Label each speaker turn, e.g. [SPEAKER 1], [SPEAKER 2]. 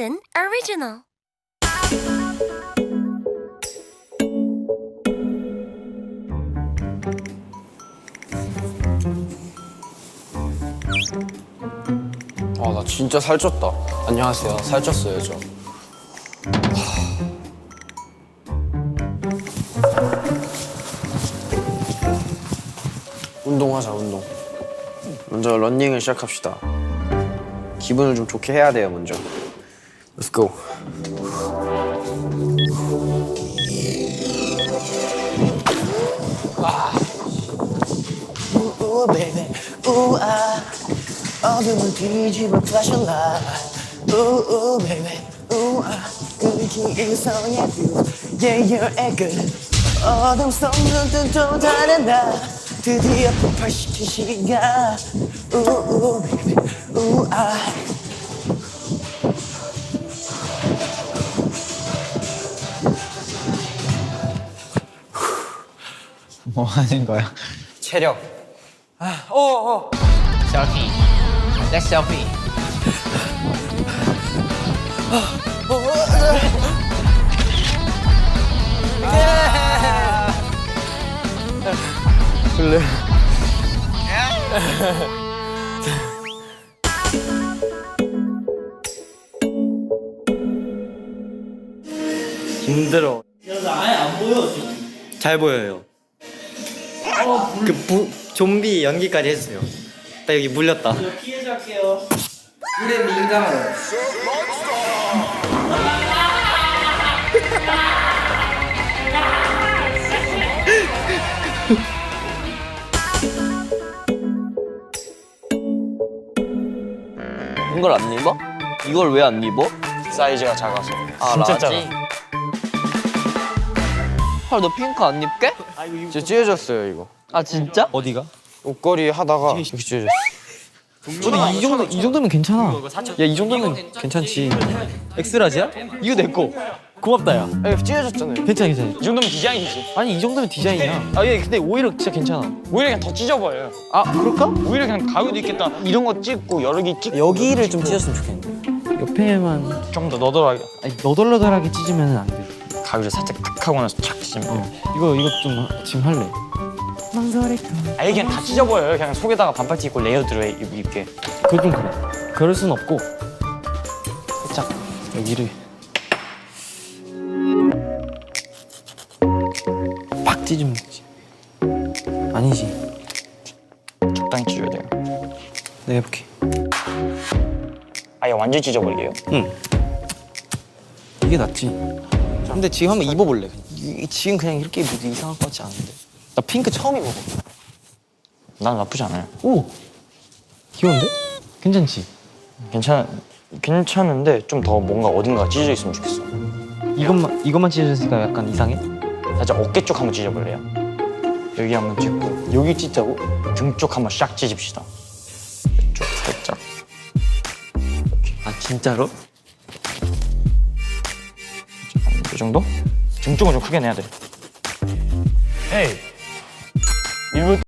[SPEAKER 1] Lipton Original.
[SPEAKER 2] 아, 나 진짜 살쪘다. 안녕하세요. 살쪘어요, 저. 운동하자, 운동. 먼저 런닝을 시작합시다. 기분을 좀 좋게 해야 돼요, 먼저. Let's go.
[SPEAKER 3] Ooh, baby, ooh, 어둠을 뒤집어 flashlight. Ooh, baby, ooh, 끈기 이성의 view. Yeah, you're a good. 어둠 속 눈뜬 또 다른 나. 드디어 폭발시킨 시간. Ooh, baby, ooh,
[SPEAKER 4] 뭐 하는 거야?
[SPEAKER 2] 체력.
[SPEAKER 4] 셀피. Let's selfie.
[SPEAKER 5] 힘들어.
[SPEAKER 6] 아예 안 보여 지금.
[SPEAKER 5] 잘 보여요. 좀비 연기까지 했어요. 나 여기 물렸다.
[SPEAKER 6] 저 피해자 할게요.
[SPEAKER 2] 이걸 안 입어? 이걸 왜 안 입어?
[SPEAKER 5] 사이즈가 작아서.
[SPEAKER 2] 아,
[SPEAKER 5] 진짜
[SPEAKER 2] 라지? 헐, 너 핑크 안 입게? 진짜 찢어졌어요, 이거. 아, 진짜?
[SPEAKER 4] 어디가?
[SPEAKER 2] 옷걸이 하다가 이렇게 찢어졌어.
[SPEAKER 4] 근데 이 정도면 괜찮아. 야, 이 정도면 괜찮지. 엑스라지야? 이거 내 거. 고맙다, 야.
[SPEAKER 2] 아, 이거 찢어졌잖아요.
[SPEAKER 4] 괜찮아, 괜찮아.
[SPEAKER 5] 이 정도면 디자인이지.
[SPEAKER 4] 아니, 이 정도면 디자인이야. 아, 얘 근데 오히려 진짜 괜찮아.
[SPEAKER 5] 오히려 그냥 더 찢어버려요.
[SPEAKER 4] 아, 그럴까?
[SPEAKER 5] 오히려 그냥 가위도 있겠다. 이런 거 찍고 여러 개 찍고.
[SPEAKER 4] 여기를 좀 찢었으면 좋겠는데. 옆에만
[SPEAKER 5] 좀 더 너덜하게.
[SPEAKER 4] 아니, 너덜너덜하게 찢으면 안 돼.
[SPEAKER 5] 가위를 살짝 탁 하고 나서 착 찢으면.
[SPEAKER 4] 이거 좀 지금 할래.
[SPEAKER 5] 아예 그냥 다 찢어버려요. 그냥 속에다가 반팔티 입고 레이어드로 입게.
[SPEAKER 4] 그건 좀 그래. 그럴 순 없고 살짝 여기를 팍 찢으면 되지. 아니지.
[SPEAKER 5] 적당히 찢어야 돼요.
[SPEAKER 4] 내가 해볼게.
[SPEAKER 5] 아예 완전 찢어버리게요.
[SPEAKER 4] 이게 낫지. 근데 지금 한번 입어볼래. 지금 그냥 이렇게 입어도 이상할 것 같지 않은데. 나 핑크 처음 입어봐.
[SPEAKER 5] 난 나쁘지 않아요.
[SPEAKER 4] 오! 귀여운데? 괜찮지?
[SPEAKER 5] 괜찮은데 좀 더 뭔가 어딘가 찢어져 있으면 좋겠어.
[SPEAKER 4] 이것만 찢어졌으니까 약간 이상해?
[SPEAKER 5] 살짝 어깨 쪽 한번 찢어볼래요? 여기 한번 찢고 여기 찢자고 등 쪽 한번 샥 찢읍시다. 이쪽 살짝.
[SPEAKER 4] 아 진짜로?
[SPEAKER 5] 이 정도? 등 쪽은 좀 크게 내야 돼. 에이. 일부